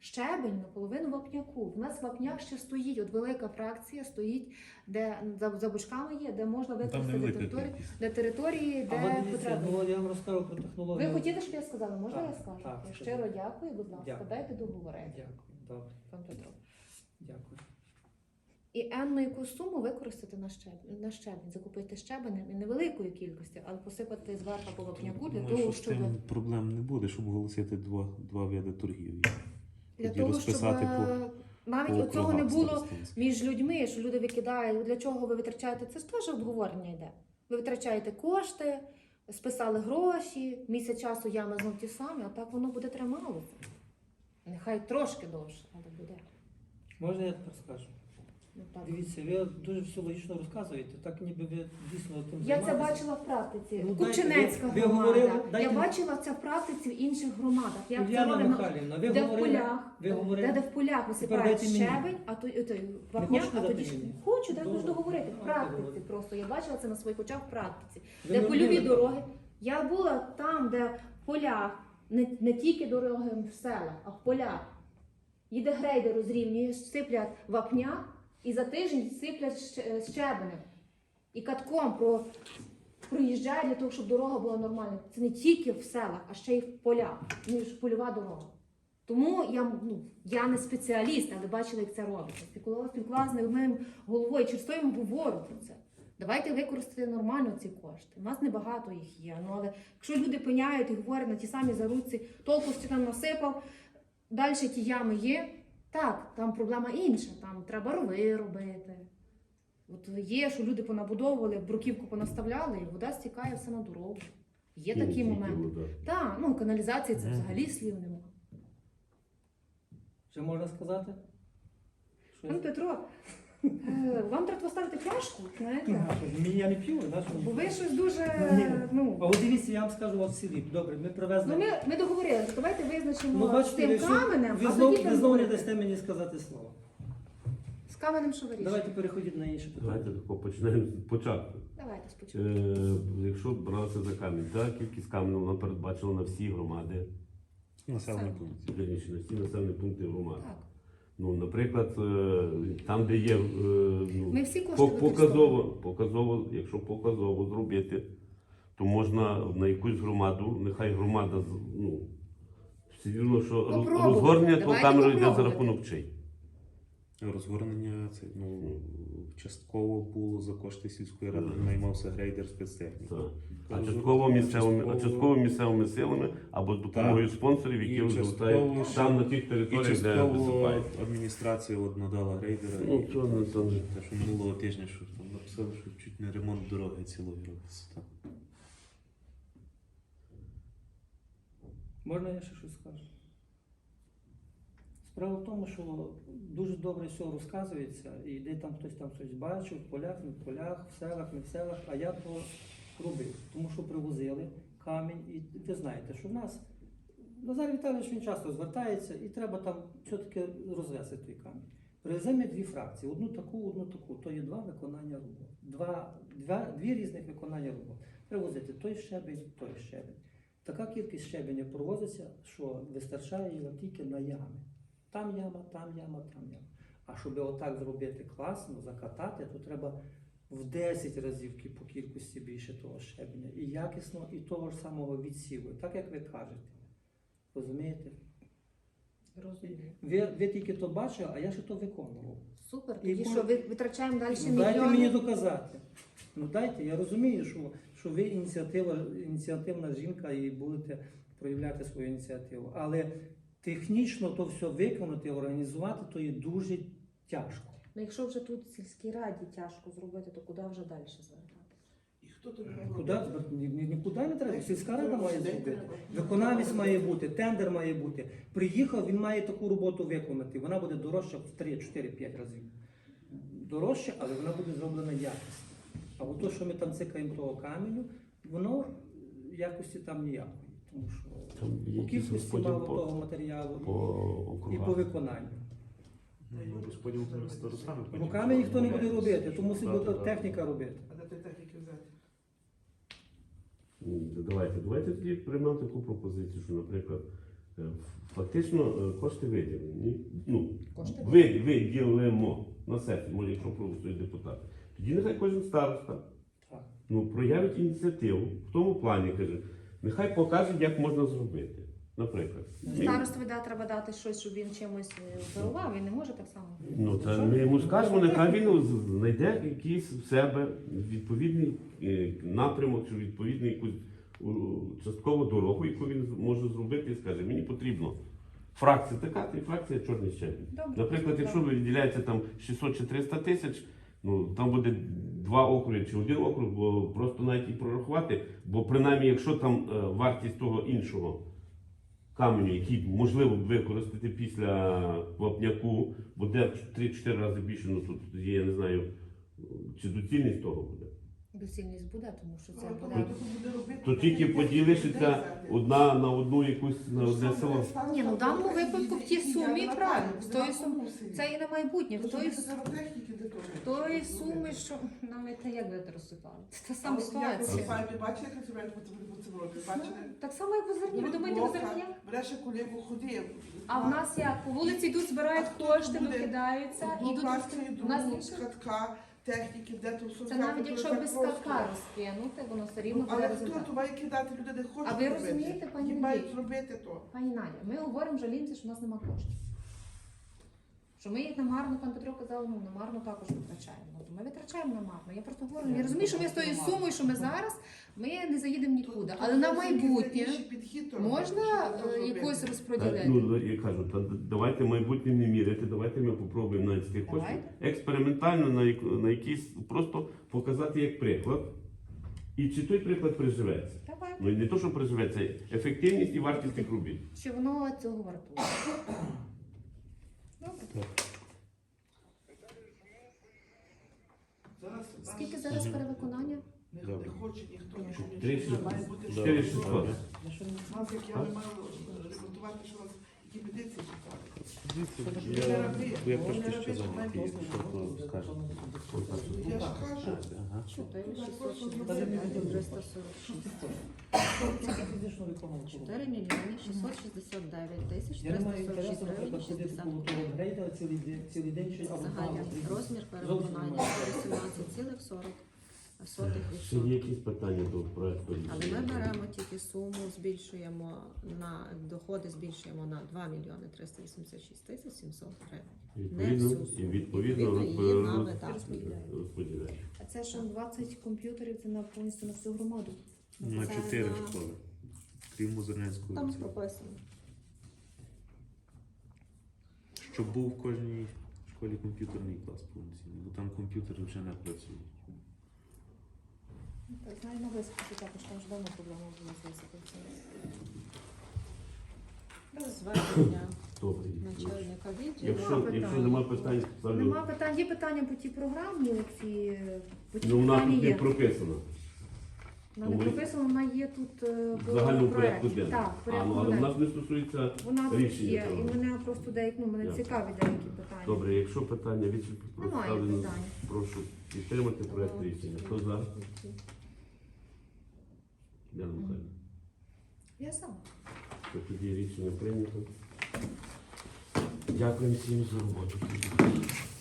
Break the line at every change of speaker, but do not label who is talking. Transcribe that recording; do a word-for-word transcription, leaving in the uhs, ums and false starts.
щебень наполовину вапняку. У нас вапняк ще стоїть, от велика фракція стоїть, де за, за бочками є, де можна використати територію, де території, де
А от дивіться,
потрібно.
ну, я вам розкажу про технологію.
Ви хотіли, щоб я сказала? Можна
Так,
я скажу?
так,
Я
скажіть.
щиро дякую, будь ласка,
Дякую.
дайте договорити.
Дякую, добре,
Пан Петро.
дякую.
І енну яку суму використати на щебень, на щебень, закупити щебень невеликої кількості, але посипати зверху по вапняку для
Думаю,
того,
що з
щоб
тим проблем не буде, щоб оголосити два, два види торгівлі.
для
Тоді
того, щоб
розписати
е, навіть
по
оцього не
округах
було
старостинських.
між людьми, що люди викидають, для чого ви витрачаєте, це ж теж обговорення йде. Ви витрачаєте кошти, списали гроші, місяць часу ями знов ті самі, а так воно буде трималося. Нехай трошки довше, але буде.
Можна я тепер скажу?
Ну, так.
Дивіться, ви дуже все логічно розказуєте, так ніби ви дійсно тим
Я це
займаєтеся.
бачила в практиці.
Ну, дайте,
Купчинецька
ви- ви
громада.
говорили, дайте-
Я бачила це в практиці в інших громадах. Як це
Уляна
роблено,
Михайлівна, ви
де в
говорили,
полях,
ви говорили.
де, де в полях висипають
дайте мені.
щебень, а то, то вапняк,
хочете
а
дати
тоді ж
мені?
хочу, дай
Добре.
хочу договорити. В
Давайте
практиці
говорити.
просто я бачила це на своїх очах в практиці.
Ви
Де
не
польові
вміли?
дороги. Я була там, де в полях, не, не тільки дороги в селах, а в полях. Їде грейдер розрівнює, сиплять вапняк і за тиждень сиплять щ- щебенем. І катком про, проїжджає для того, щоб дорога була нормальна. Це не тільки в селах, а ще й в полях, ніж польова дорога. Тому я, ну, я не спеціаліст, але бачила, як це робиться. Спілкувалася спілкувалася з моїм головою, через то я їм говорю про це. Давайте використати нормально ці кошти. У нас небагато їх є. Ну, але якщо люди пиняють і говорять на ті самі заруці, толку що там насипав, далі ті ями є, так, там проблема інша, там треба рови робити. От є, що люди понабудовували, бруківку понаставляли, і вода стікає все на дорогу. Є
Ну,
такі
тільки
моменти.
вода.
Так, ну каналізації це
Мгм.
взагалі слів немає.
Що можна сказати? Що
Пан Петро, е, вам треба поставити пляшку, знаєте?
Мені я не п'ю, да, що?
Бо ви щось дуже,
Ні. А
ну...
от дивіться, я вам скажу от в селі. Добре, ми привезли.
Ну, ми, ми договорилися, давайте визначимо
Ну,
з
бачите, ви,
тим
що-
каменем,
ви
а
знов,
тоді
ви знову не
переговоримо.
дасте мені сказати слово.
З каменем що вирішуємо?
Давайте переходіть на інше питання.
Давайте тако почнемо з початку.
Давайте спочатку.
Е, якщо братися за камінь, так, кількість каменю вона передбачила на всі громади,
Населений
Саме.
пункт.
вірніше, на всі населені пункти громади.
Так.
Ну, наприклад, е, там, де є е, ну,
Ми всі кошти
по-
використовуємо.
показово, показово, якщо показово зробити, то можна на якусь громаду, нехай громада, з- ну, все рівно, що роз-
Попробувати.
розгорнення того
Давайте
камеру йде за
попробувати.
рахунок чий.
Розгорнення це, ну, частково було за кошти сільської ради, наймався грейдер спецтехніки.
Так. А
Розгорнення
частково місцевими, а
частково-
частково місцевими силами або з допомогою спонсорів,
І
які
частково
розгортають
ще-
там на тих
І
територіях, де
частково
висипають.
адміністрація от надала грейдера.
Ну,
і-
то не- то не-
те, що минулого тижня, що там написали, що чуть не ремонт дороги цілої робиться. там.
Можна я ще щось скажу? Справа в тому, що дуже добре все розказується, і де там хтось там щось бачив, в полях, не в полях, в селах, не в селах, а я то робив. Тому що привозили камінь, і ви знаєте, що в нас Назар Віталійович він часто звертається, і треба там все-таки розвести той камінь. Привеземо дві фракції, одну таку, одну таку. То є два виконання робот. Два, два, дві різних виконання робот. Привозити той щебень, той щебень. Така кількість щебеня провозиться, що вистачає його тільки на ями. Там яма, там яма, там яма. А щоб отак зробити класно, закатати, то треба в десять разів кі- по кількості більше того щебеня. І якісно, і того ж самого відсіву. Так як ви кажете. Розумієте?
Розумію.
Ви, ви тільки то бачили, а я ще то виконував.
Супер,
І
тоді
по-
що, ви витрачаємо далі
Ну, дайте мені
мільйони?
доказати. Ну дайте, я розумію, що, що ви ініціатива, ініціативна жінка і будете проявляти свою ініціативу. Але технічно то все виконати, організувати, то є дуже тяжко.
Ну, якщо вже тут в сільській раді тяжко зробити, то куди вже далі звертатися?
І хто тут
Куди? звер- ні- ні- Нікуди не треба. Сільська рада має зробити. Виконавець має бути, тендер має бути. Приїхав, він має таку роботу виконати. Вона буде дорожча в три, чотири, п'ять разів. Дорожча, але вона буде зроблена якісно. А от то, що ми там цикаємо того каменю, воно якості там ніякої. Тому що
Там є
по
якийсь
кількості
розподіл
мало
по-
того матеріалу
по
і, і по
округах.
виконанню.
Ну, розподіл старостами.
Руками ніхто не буде робити, то мусить бути техніка робити.
А де ти техніки взяти?
Ні, то Давайте, давайте тоді приймемо таку пропозицію, що, наприклад, Е, Фактично е, кошти виділені. Ну,
Кошти
ви- виділимо на сесії, може, якщо проголосують депутати. Тоді нехай кожен староста
Так.
ну, проявить ініціативу в тому плані, каже, нехай покаже, як можна зробити. Наприклад.
Старостові да, треба дати щось, щоб він чимось е, оперував, він не може так само.
Ну, та ми йому скажемо, нехай він з- знайде якийсь в себе відповідний е, напрямок чи відповідну якусь у, часткову дорогу, яку він може зробити і скаже, мені потрібно фракція така, то і фракція чорний щебінь.
Добре.
Наприклад, якщо виділяється там шістсот чи триста тисяч, ну там буде два округи чи один округ, бо просто навіть і прорахувати, бо принаймні, якщо там е, вартість того іншого каменю, який можливо використати після вапняку, буде в три-чотири рази більше, ну тут є, я не знаю, чи доцільність того буде.
Доцільність буде, тому що це
Ну,
буде.
буде робити,
То тільки
так,
поділишся
як
одна на одну якусь на одне село.
Ні, ну в даному випадку в тій сумі правильно, в тої суми, це і на майбутнє, в тої, с- в тої суми, що навіть та як будете розсипали. Це та сама ситуація.
Ви бачите, як це по цьому році? Бачите?
Так само, як у зерні. Ви думаєте, у зерні як?
Береш колегу, ходи.
А в нас як? По вулиці йдуть, збирають кошти, викидаються і йдуть. У нас
другу,
інше.
катка, техніки, де то все.
Це навіть якщо без катка розкинути, воно все рівно буде
Але хто
результат.
то має кидати, люди не хочуть.
А ви
робити.
розумієте, пані
Їм мають
Надія?
зробити то.
Пані Надя, ми говоримо жалімося, що в нас немає коштів. Що ми їх намарно, пан Петро казав, ну намарно також витрачаємо. Ну, то ми витрачаємо намарно. Я просто говорю, я розумію, що ми з тою сумою, що ми зараз, ми не заїдемо нікуди. Але на майбутнє можна е, якось
Е,
розподілити.
Ну, я кажу, та давайте майбутнє не міряти, давайте ми попробуємо навіть з тих коштів
Давайте.
експериментально на, як- на якийсь, просто показати як приклад. І чи той приклад приживеться.
Давай.
Ну і не то, що приживеться, ефективність і вартість тих робіт.
Чи воно цього вартує? Добре. Скільки зараз перевиконання?
Не хоче ніхто, нічого
Три
не
шістсот.
має бути.
Чотири шістсот.
Нас, як я не маю ремонтувати, що у вас які петиції читали.
Я, я трошки ще зайнятий, якщо то скажете.
Я ж кажу.
Ага.
чотири шістсот шістдесят дев'ять триста сорок шість. чотири мільйони шістсот шістдесят дев'ять тисяч
Я не
триста
маю
сорок шість
інтересу,
гривень
наприклад, ходити
шістдесят
коло того грейдера цілий день, цілий день чи або
Загальний
два.
розмір перевиконання вісімнадцять цілих сорок сотих
Ще є
відсотка.
якісь питання до проекту
Але ми
рішення?
беремо тільки суму, збільшуємо на доходи, збільшуємо на два мільйони триста вісімдесят шість тисяч сімсот гривень.
Відповідно,
Не всю
і
суму.
відповідно
Відповідно, її
розпо-
на
роз-
видатки.
розподіляємо.
А це що двадцять комп'ютерів, це на повністю на всю громаду.
На
Це
чотири
на-
школи. Крім Музерненської.
Там прописано.
Щоб був в кожній школі комп'ютерний клас повноцінний, бо там комп'ютери вже не працюють.
Так, знаю на високі також, там ж давно проблема була з високим.
Без звернення
Добре.
начальника відділу.
Якщо,
питань.
якщо нема питань, ставлю.
Нема питань, є питання по тій програмі, ці по тій
Ну, вона
програмі
тут не
є.
прописана.
Вона не
тому-
прописана, вона є тут е,
В
в
загальному
проекті.
порядку денному.
Так, в
А,
порядку
ну, але в
денному.
нас не стосується.
Вона тут
рішення
є,
цього.
і мене просто деякі, ну, мене
Ясно.
цікаві деякі питання.
Добре, якщо питання відсутні,
Немає
представлено,
питань.
прошу підтримати проект рішення. Хто за? Дякую, Михайло.
Я сама.
То тоді рішення прийнято. Дякую всім за роботу.